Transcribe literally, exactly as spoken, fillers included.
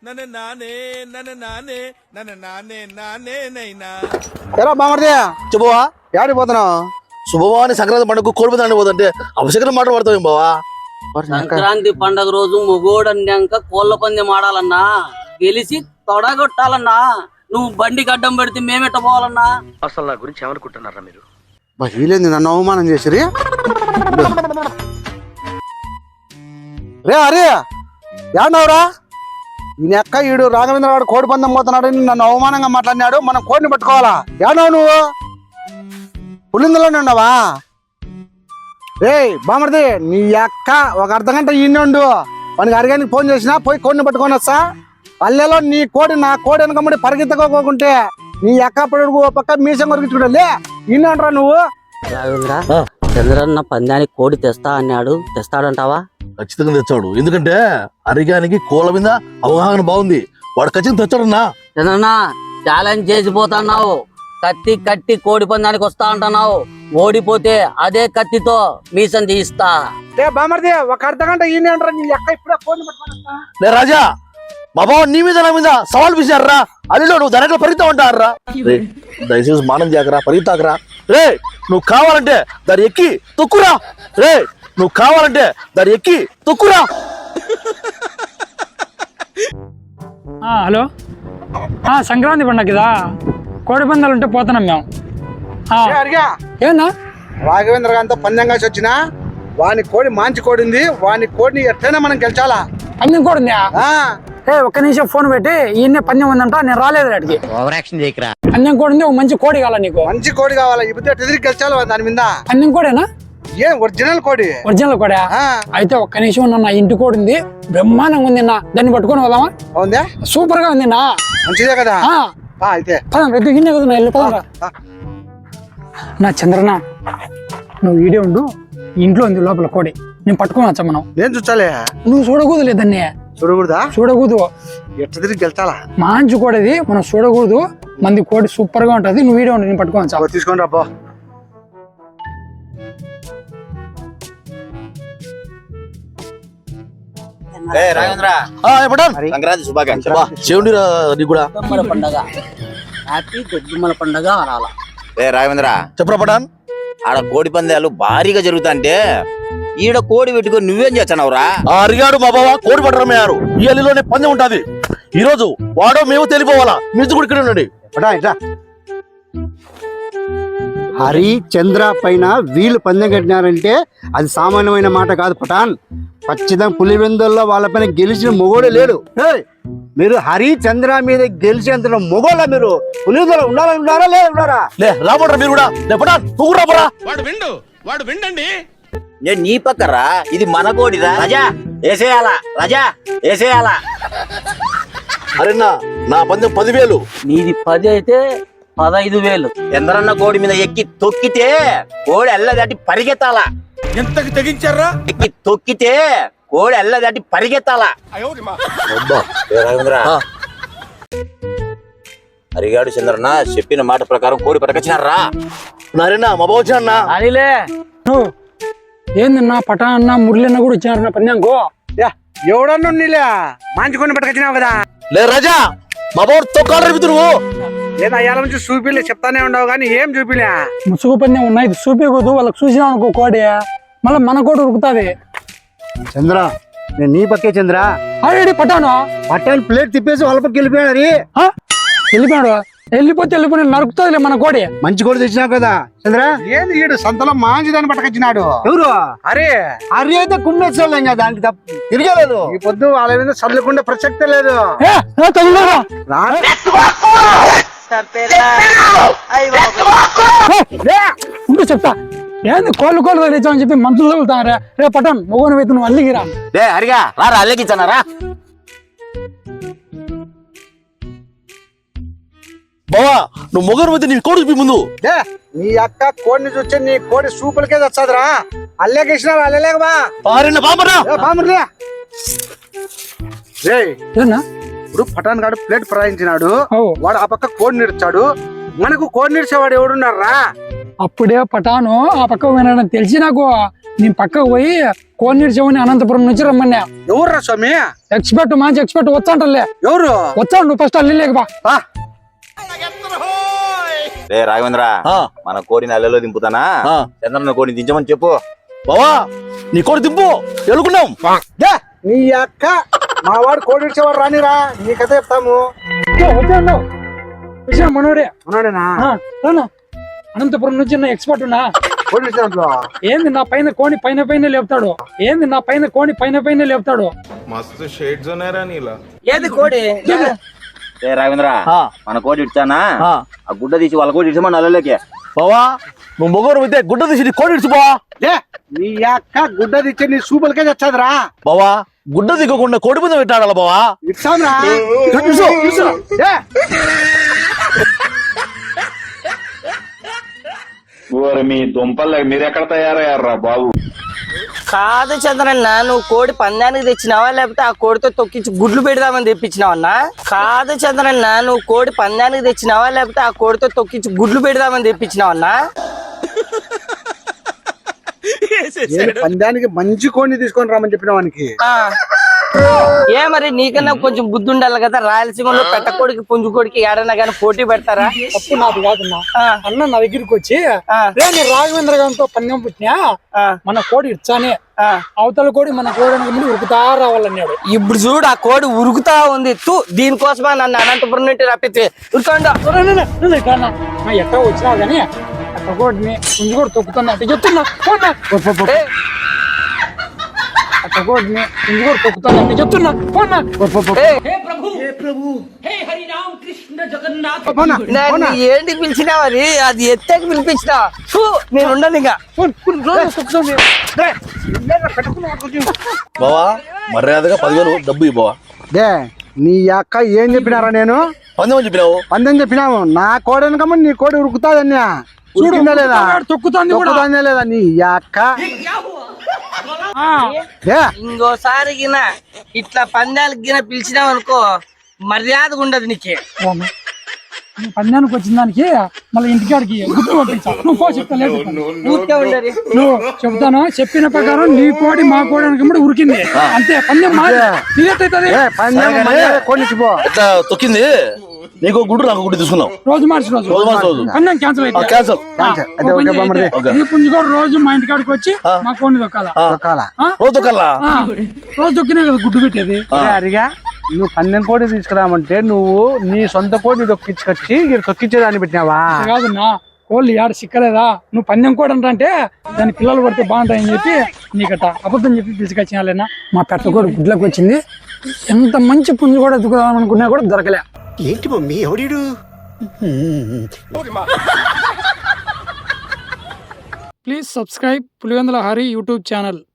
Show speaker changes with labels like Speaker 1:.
Speaker 1: నన్ను నానే నన్ను నానే నన్ను నానే నానే నైనా
Speaker 2: ఎరా బామర్ది
Speaker 3: చెప్పవా
Speaker 2: యాడికి పోతున్నావు?
Speaker 3: శుభవాని సంక్రాంతి పండుగ కోడిపోతాను పోతుంటే అవసరం మాట పడతావు బావా.
Speaker 4: సంక్రాంతి పండగ రోజు మొగోడు అన్నాక కోళ్ళ పందెం ఆడాలన్నా, గెలిచి తొడగొట్టాలన్నా. నువ్వు బండికి అడ్డం పెడితే మేమెట్ట పోవాలన్నా?
Speaker 5: అసలు నా గురించి ఏమనుకుంటున్నారా మీరు?
Speaker 2: వీలేంది నన్ను అవమానం చేసిరి. రే అరే ఏడవరా? ఈయన అక్క ఈడు రాఘవేంద్ర వాడు కోడి పందెం పోతున్నాడు, నన్ను అవమానంగా మాట్లాడినాడు. మనం కోడిని పట్టుకోవాలా? ఏడవు నువ్వు పులిందులోనే ఉన్నావా? రే బామర్ది నీ అక్క ఒక అర్ధ గంట ఈయన ఉండు, వానికి అరగానికి ఫోన్ చేసినా పోయి కోడిని పట్టుకొని వస్తా. పల్లెలో నీ కోడి నా కోడి వెనకమ్మడి పరిగెత్తకోకుంటే నీ అక్క పడుగు పక్క మీసం కొరికించుకుంటా. ఈయన అంటారా నువ్వు?
Speaker 4: రాఘవేంద్ర, చంద్రన్న పందానికి కోడి తెస్తా అన్నాడు, తెస్తాడంటావా?
Speaker 3: ఖచ్చితంగా తెచ్చాడు, ఎందుకంటే అరిగానికి కోళ్ళ మీద అవగాహన బాగుంది. వాడు ఖచ్చితంగా తెచ్చాడన్నా.
Speaker 4: చంద్రన్న ఛాలెంజ్ చేసిపోతున్నావు, కత్తి కట్టి కోడి పందానికి వస్తా అంటున్నావు. ఓడిపోతే అదే కత్తితో మీసం తీస్తా.
Speaker 2: రే బామర్ది ఒక అర్ధ గంట ఈయన అంటారా? నీ అక్క ఇప్పుడే కోడిని పట్టుకొని వస్తా.
Speaker 3: లే రాజా, మా బావ నీ మీద నా మీద సవాల్ పిలిచారా? అదిలో నువ్వు ధరలో పరిగెత్తా ఉంటారా? దయచేసి మానం చేయకరా, పరిగెత్తాకరా. రే నువ్వు కావాలంటే దాని ఎక్కి తొక్కురా. రే నువ్వు కావాలంటే దాని ఎక్కి తొక్కురా.
Speaker 6: హలో, సంక్రాంతి పండగ కదా, కోడి పందాలు ఉంటే పోతున్నాం మేము.
Speaker 2: అడిగా
Speaker 6: ఏందా
Speaker 2: రాఘవేంద్ర గారితో పందెం కాసి వచ్చిన వాని కోడి మంచి కోడింది, వాని కోడిని ఎట్లయినా మనం గెలిచాలా.
Speaker 6: పందెం కూడా ఉందా?
Speaker 2: ఆ
Speaker 6: ఏ ఒక్క నిమిషం ఫోన్ పెట్టి ఈయన్నే పందెం ఉందంట, నేను రాలేదు అడిగి. పందెం కూడా ఉంది, ఒక మంచి కోడి కావాలా నీకు?
Speaker 2: మంచి కోడి కావాలా? ఇప్పుడు ఎట్లా తిరిగి గెలిచాలి దాని మీద?
Speaker 6: పందెం కోడేనా?
Speaker 2: ఏం ఒరిజినల్ కోడి?
Speaker 6: ఒరిజినల్ కోడా? అయితే ఒక్క నిమిషం ఉన్నా, నా ఇంటి కోడి ఉంది, బ్రహ్మాండంగా ఉంది నా. దాన్ని పట్టుకొని పోదామా?
Speaker 2: అవుందా?
Speaker 6: సూపర్ గా ఉంది నా.
Speaker 2: మంచిదే కదా? అయితే
Speaker 6: పదం రెడ్డి గిన్నె కదా, నా ఇల్లు పదరా. నా చంద్రన నువ్వు ఈడే ఉండు, ఇంట్లో ఉంది లోపల కోడి, నేను పట్టుకొని వచ్చా. మనం
Speaker 2: నేను చూచాలే.
Speaker 6: నువ్వు చూడకూడదు లేదన్నీ.
Speaker 2: చూడకూడదా?
Speaker 6: చూడకూడదు,
Speaker 2: ఎట్లా తిరిగి గెలిచాలా?
Speaker 6: మంచి కోడది, మనం చూడకూడదు. మంది కోడి సూపర్ గా ఉంటది. నువ్వు వీడియో నేను పట్టుకోవచ్చు.
Speaker 2: తీసుకోండి రాబో.
Speaker 3: సంక్రాంతి శుభాకాంక్షలు. చెవుండి నీకు కూడా
Speaker 4: గొడ్డుమ్మల పండగ, హ్యాపీ గొడ్డుమ్మల పండగ అనాల.
Speaker 7: రే రాఘవేంద్ర,
Speaker 3: చెప్పరా పటాన్.
Speaker 7: ఆడ కోడి పందాలు భారీగా జరుగుతాంటే ఈడ కోడి పెట్టుకొని నువ్వేం చేస్తున్నావురా?
Speaker 3: ఆ అరిగాడు మా బావ కోడి పట్టడమయ్యారు. ఈ అల్లిలోనే పందెం ఉంటది. ఈ రోజు వాడో మేము తెలిపోవాలా. మీరు కూడా ఇక్కడ ఉండండి.
Speaker 2: హరి చంద్ర పైన వీళ్ళు పందెం కట్టినారంటే అది సామాన్యమైన మాట కాదు పటాన్. ఖచ్చితంగా పులివెందుల్లో వాళ్ళపైన గెలిచిన మొగోడే లేడు. మీరు హరి చంద్ర మీద గెలిచేంత మొగోళ్ళ మీరు పులివెందులో ఉండాలని ఉన్నారా లేదా ఉన్నారా?
Speaker 3: లే రాబోట్రా మీరు కూడా. లే పటాన్ నువ్వు కూడా రాబోరా.
Speaker 1: వాడు విండు వాడు విండండి.
Speaker 7: నేను నీ పక్కరా, ఇది మన కోడిరా. రజా వేసేయాలా, రజా వేసేయాలా.
Speaker 3: అరేనా నా పందెం పదివేలు.
Speaker 4: నీది పది అయితే పదైదు వేలు.
Speaker 7: చంద్రన్న కోడి మీద ఎక్కి తొక్కితే కోడి ఎల్ల దాటి పరిగెత్తాలా.
Speaker 1: ఎంతకి తెగించారా?
Speaker 7: ఎక్కి తొక్కితే కోడి ఎల్ల దాటి పరిగెత్తాలా. రాఘవేంద్ర, హరిగాడు చంద్రన్న చెప్పిన మాట ప్రకారం కోడి పట్టుకొచ్చినారా?
Speaker 3: నారేనా మా బావ వచ్చా అన్నా.
Speaker 4: అనిలే
Speaker 6: నువ్వు ఏందన్నా పటా అన్న మురళన్న కూడా ఇచ్చినారు నా పందెంకు.
Speaker 2: ఎవడన్నా నీలే మంచి కొన్ని పట్టుకొచ్చినావు కదా.
Speaker 3: లే రాజా, మా బావ తొక్కాలు రేపు నువ్వు.
Speaker 2: లేదా అయ్యాల నుంచి చూపిలే చెప్తానే ఉండవు కానీ ఏం చూపిలే.
Speaker 6: ముసుగు పందెం ఉన్నాయి, ఇది చూపించకూడదు. వాళ్ళకి చూసినా అనుకో కోడి, మళ్ళీ మన కోడి ఉరుకుతాది.
Speaker 2: చంద్ర నేను నీ పక్కే చంద్ర.
Speaker 6: ఆల్రెడీ పట్టాను
Speaker 2: పట్టాను ప్లేట్ తిప్పేసి వాళ్ళ పక్క వెళ్ళిపోయాడు.
Speaker 6: వెళ్ళిపోయాడు, వెళ్ళిపోతే వెళ్ళిపోయి నరుకుతుంది మన కోడి.
Speaker 2: మంచి కోడి తెచ్చినావు కదా చంద్ర. ఏంది ఈడు సంతలో మంచి దాన్ని పట్టుకొచ్చినాడు. ఎవరు? అరే అరే అయితే కుమ్మేసాం కదా, దానికి తప్ప తిరగలేదు. ఈ పొద్దు వాళ్ళ మీద చల్లుకుంటే ప్రసక్తే లేదు.
Speaker 6: ఉంటూ చెప్తా. ఏంది కోళ్ళు కోళ్ళు తెచ్చామని చెప్పి మంచులు తగులుతారా? రే పటాన్ మొగోని వైపు నువ్వు అల్లిగిరా.
Speaker 7: రే హరిగా రారా, అల్లెకిచ్చానారా?
Speaker 3: బావా నువ్వు మొగరు పోతే నీ కోడి చూపి ముందు.
Speaker 2: నీ అక్క కోడిని చూస్తే నీ కోడి సూపులకే వచ్చాదిరా. అల్లేకేసినా అల్లలేక బా.
Speaker 3: ఆరేనా బామరా.
Speaker 2: బామర్లే రే
Speaker 6: ఏనా
Speaker 2: ఇప్పుడు పటాన్ గాడు ప్లేట్ ప్రయాణించినాడు, వాడు ఆ పక్క కోడి నిడిచాడు. మనకు కోడి నిడిచేవాడు ఎవడున్నారా?
Speaker 6: అప్పుడే పటాను ఆ పక్క వినడం తెలిసి నాకు నేను పక్కకు పోయి కోనేరు చెవుని అనంతపురం నుంచి రమ్మన్నా.
Speaker 2: ఎవర్రా స్వామి?
Speaker 6: ఎక్స్పర్ట్ మంచి ఎక్స్పర్ట్ వచ్చాంటలే.
Speaker 2: ఎవరు
Speaker 6: వచ్చాడు నువ్వు ఫస్ట్ అల్లి లేక బా.
Speaker 7: రే రాఘవేంద్ర, మన కోడిని అల్లెలో దింపుతానా? చంద్రన్న కోడిని దించమని చెప్పు.
Speaker 3: బావా నీ కోడి దింపు ఎలుకున్నాం.
Speaker 2: నీ అక్క మా వాడు కోడి ఇచ్చేవాడు రానిరా, నీ కథ చెప్తాము.
Speaker 6: వచ్చాడు విషయం మనోడే.
Speaker 2: ఉన్నాడేనా?
Speaker 6: ఆ, రానా. అనంతపురం నుంచి నా ఎక్స్పర్ట్ ఉన్నా.
Speaker 2: కోడి ఇచ్చినట్లు
Speaker 6: ఏంది నా పైన కోని పైన పైన లేపుతాడు. ఏంది నా పైన కోని పైన పైన లేపుతాడు.
Speaker 1: మస్తు షేడ్స్ ఉన్నారా నీలా.
Speaker 4: ఏది కోడి?
Speaker 7: రే రాఘవేంద్ర, మన కోడి ఇచ్చానా? ఆ గుడ్డ తీసి వాళ్ళ కోడి ఇచ్చామని అల్లెలోకి.
Speaker 3: బావా నువ్వు మొగోరు అయితే గుడ్డ తీసి నీ కోడి ఇడుచు బావా.
Speaker 2: నీ అక్క గుడ్డ తెచ్చి నీ సూపులకే తెచ్చాదిరా.
Speaker 3: బావా గుడ్డ దిగకుండా కోడి మీద పెట్టాడాల బావా.
Speaker 2: ఇచ్చాంరా.
Speaker 8: మీ దుంపలు మీరెక్కడ తయారయ్యారా బాబు?
Speaker 4: కాదు చంద్రన్న, నువ్వు కోడి పందానికి తెచ్చినావా లేకపోతే ఆ కోడితో తొక్కించి గుడ్లు పెడదామని తెప్పించినావన్నా? కాదు చంద్రన్న, నువ్వు కోడి పందానికి తెచ్చినావా లేకపోతే ఆ కోడితో తొక్కించి గుడ్లు పెడదామని తెప్పించినావన్నా?
Speaker 2: పందానికి మంచి కోడిని తీసుకొని రామని చెప్పిన వానికి.
Speaker 4: ఏ మరి నీకన్నా కొంచెం బుద్ధి ఉండాలి కదా. రాయలసీమలో పెట్టకోడికి పుంజుకోడికి ఏడన్నా కానీ పోటీ పెడతారా?
Speaker 6: తప్పు నాది కాదన్నా. అన్న నా దగ్గరికి వచ్చి రే నేను రాఘవేంద్ర గారితో పందెం పుట్టినా, మన కోడి ఇచ్చానే, అవతల కోడి మన కోడి ముందు ఉరుకుతా రావాలన్నాడు.
Speaker 4: ఇప్పుడు చూడు ఆ కోడి ఉరుకుతా ఉంది. తూ దీనికోసమా నన్ను అనంతపురం నుండి రప్పితే ఉరుకోండా.
Speaker 6: ఎట్టా వచ్చినావు కానీ అట్ట కోడిని పుంజు కూడా తొక్కుతున్నా అంటే చెప్తున్నా. అట్ట కోడిని పుంజు కూడా తొక్కుతున్నా అంటే చెప్తున్నా.
Speaker 4: ఏంటి పిలిచినా మరి? అది ఎత్తకి పిలిపించినా నేను ఉండను ఇంకా.
Speaker 3: బావా మర్యాదగా పదివేలు డబ్బు ఇవ్వు బావా.
Speaker 2: దే నీ అక్క ఏం చెప్పినారా? నేను
Speaker 3: పందెం అని చెప్పినావు.
Speaker 2: పందెం చెప్పినాము. నా కోడి వెనకమ్మ నీ కోడి ఉరుకుతాదన్యా. ఉరికిందా లేదా?
Speaker 6: తొక్కుతాంది
Speaker 2: తొక్కుతాందా లేదా నీ అక్క?
Speaker 4: ఇంకోసారి గిన ఇట్లా పందాలకు గిన పిలిచినావు అనుకో, మర్యాద ఉండదు నీకే.
Speaker 6: పందానికి వచ్చిన దానికి మళ్ళీ ఇంటికాడికి గుడ్లు పంపించాలి. నువ్వు పో చెప్తా లేదు. నువ్వు చెప్తాను చెప్పిన ప్రకారం నీ కోడి మా కోడి అనుకుంటే ఉరికింది అంతే. పందెం
Speaker 3: ఎట్లా తొక్కింది? నీకు గుడ్డు నాకు గుడ్డు తీసుకున్నావు.
Speaker 6: రోజు మార్చి రోజు
Speaker 3: రోజు మార్చి రోజు
Speaker 6: పందెం క్యాన్సిల్ అయితే
Speaker 3: క్యాన్సల్.
Speaker 6: నీ పుంజు కూడా రోజు మా ఇంటికాడికి వచ్చి మా కోడిని దొక్కాలా.
Speaker 3: రోజు దొక్కాలా?
Speaker 6: రోజు దొక్కినే కదా గుడ్డు పెట్టేది.
Speaker 2: అరిగా నువ్వు పందెం కోడి తీసుకురామంటే నువ్వు నీ సొంత కోడిని దొక్కించుకొచ్చి తొక్కించేదాన్ని పెట్టినావా?
Speaker 6: కాదన్నా, కోళ్ళు ఏడ సిక్కలేదా? నువ్వు పందెం కోడి అంటే దాని పిల్లలు పడితే బాగుంటాయని చెప్పి నీకట అబద్ధం చెప్పి తీసుకొచ్చినాలేనా. మా పెట్ట కోడి గుడ్లకు వచ్చింది. ఎంత మంచి పుంజు కూడా ఎత్తుకుదాం అనుకున్నా కూడా దొరకలే.
Speaker 9: ఏంటి మమ్మీ ఎవడీడు?
Speaker 6: Please subscribe Pulivendula Hari YouTube channel.